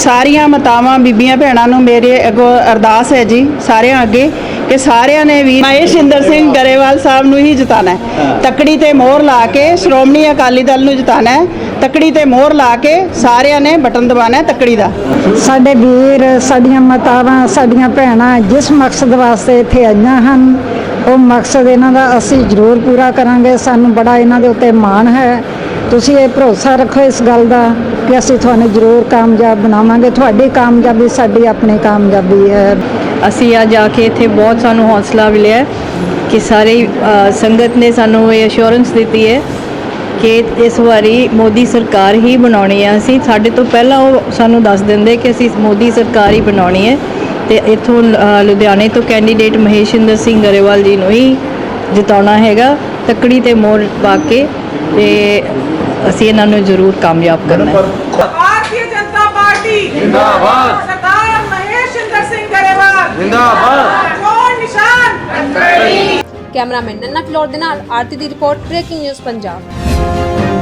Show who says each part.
Speaker 1: ਸਾਰੀਆਂ ਮਾਤਾਵਾਂ ਬੀਬੀਆਂ ਭੈਣਾਂ ਨੂੰ ਮੇਰੇ ਅੱਗੋਂ ਅਰਦਾਸ ਹੈ ਜੀ, ਸਾਰਿਆਂ ਅੱਗੇ ਕਿ ਸਾਰਿਆਂ ਨੇ ਵੀ ਮਹੇਸ਼ਿੰਦਰ ਸਿੰਘ ਗਰੇਵਾਲ ਸਾਹਿਬ ਨੂੰ ਹੀ ਜਿਤਾਣਾ ਹੈ। ਤੱਕੜੀ ਤੇ ਮੋਹਰ ਲਾ ਕੇ ਸ਼੍ਰੋਮਣੀ ਅਕਾਲੀ ਦਲ ਨੂੰ ਜਿਤਾਣਾ ਹੈ। ਤੱਕੜੀ ਤੇ ਮੋਹਰ ਲਾ ਕੇ ਸਾਰਿਆਂ ਨੇ ਬਟਨ ਦਬਾਉਣਾ ਹੈ ਤੱਕੜੀ ਦਾ।
Speaker 2: ਸਾਡੇ ਵੀਰ, ਸਾਡੀਆਂ ਮਾਤਾਵਾਂ, ਸਾਡੀਆਂ ਭੈਣਾਂ ਜਿਸ ਮਕਸਦ ਵਾਸਤੇ ਇੱਥੇ ਆਈਆਂ ਹਨ, ਉਹ ਮਕਸਦ ਇਹਨਾਂ ਦਾ ਅਸੀਂ ਜ਼ਰੂਰ ਪੂਰਾ ਕਰਾਂਗੇ। ਸਾਨੂੰ ਬੜਾ ਇਹਨਾਂ ਦੇ ਉੱਤੇ ਮਾਣ ਹੈ। ਤੁਸੀਂ ਇਹ ਭਰੋਸਾ ਰੱਖੋ ਇਸ ਗੱਲ ਦਾ ਕਿ ਅਸੀਂ ਤੁਹਾਨੂੰ ਜ਼ਰੂਰ ਕਾਮਯਾਬ ਬਣਾਵਾਂਗੇ। ਤੁਹਾਡੀ ਕਾਮਯਾਬੀ ਸਾਡੀ ਆਪਣੀ ਕਾਮਯਾਬੀ ਹੈ।
Speaker 3: ਅਸੀਂ ਅੱਜ ਆ ਕੇ ਇੱਥੇ ਬਹੁਤ ਸਾਨੂੰ ਹੌਸਲਾ ਮਿਲਿਆ ਕਿ ਸਾਰੀ ਸੰਗਤ ਨੇ ਸਾਨੂੰ ਇਹ ਅਸ਼ੋਰੈਂਸ ਦਿੱਤੀ ਹੈ ਕਿ ਇਸ ਵਾਰੀ ਮੋਦੀ ਸਰਕਾਰ ਹੀ ਬਣਾਉਣੀ ਹੈ। ਅਸੀਂ ਸਾਡੇ ਤੋਂ ਪਹਿਲਾਂ ਉਹ ਸਾਨੂੰ ਦੱਸ ਦਿੰਦੇ ਕਿ ਅਸੀਂ ਮੋਦੀ ਸਰਕਾਰ ਹੀ ਬਣਾਉਣੀ ਹੈ ਤੇ ਇੱਥੋਂ ਲੁਧਿਆਣੇ ਤੋਂ ਕੈਂਡੀਡੇਟ ਮਹੇਸ਼ਿੰਦਰ ਸਿੰਘ ਗਰੇਵਾਲ ਜੀ ਨੂੰ ਹੀ ਜਿਤਾਉਣਾ ਹੈਗਾ ਤੱਕੜੀ ਤੇ ਮੋਹਰ ਪਾ ਕੇ, ਤੇ ਅਸੀਂ ਇਹਨਾਂ ਨੂੰ ਜ਼ਰੂਰ ਕਾਮਯਾਬ ਕਰਨਾ ਹੈ।
Speaker 4: भारतीय जनता पार्टी जिंदाबाद, सरदार महेशिंदर सिंह गरेवाल जिंदाबाद, कौन निशान।
Speaker 5: ਕੈਮਰਾਮੈਨ ਨੰਨਾ ਫਲੋਰ ਦੇ ਨਾਲ ਆਰਤੀ ਦੀ ਰਿਪੋਰਟ, ਬ੍ਰੇਕਿੰਗ ਨਿਊਜ਼ ਪੰਜਾਬ।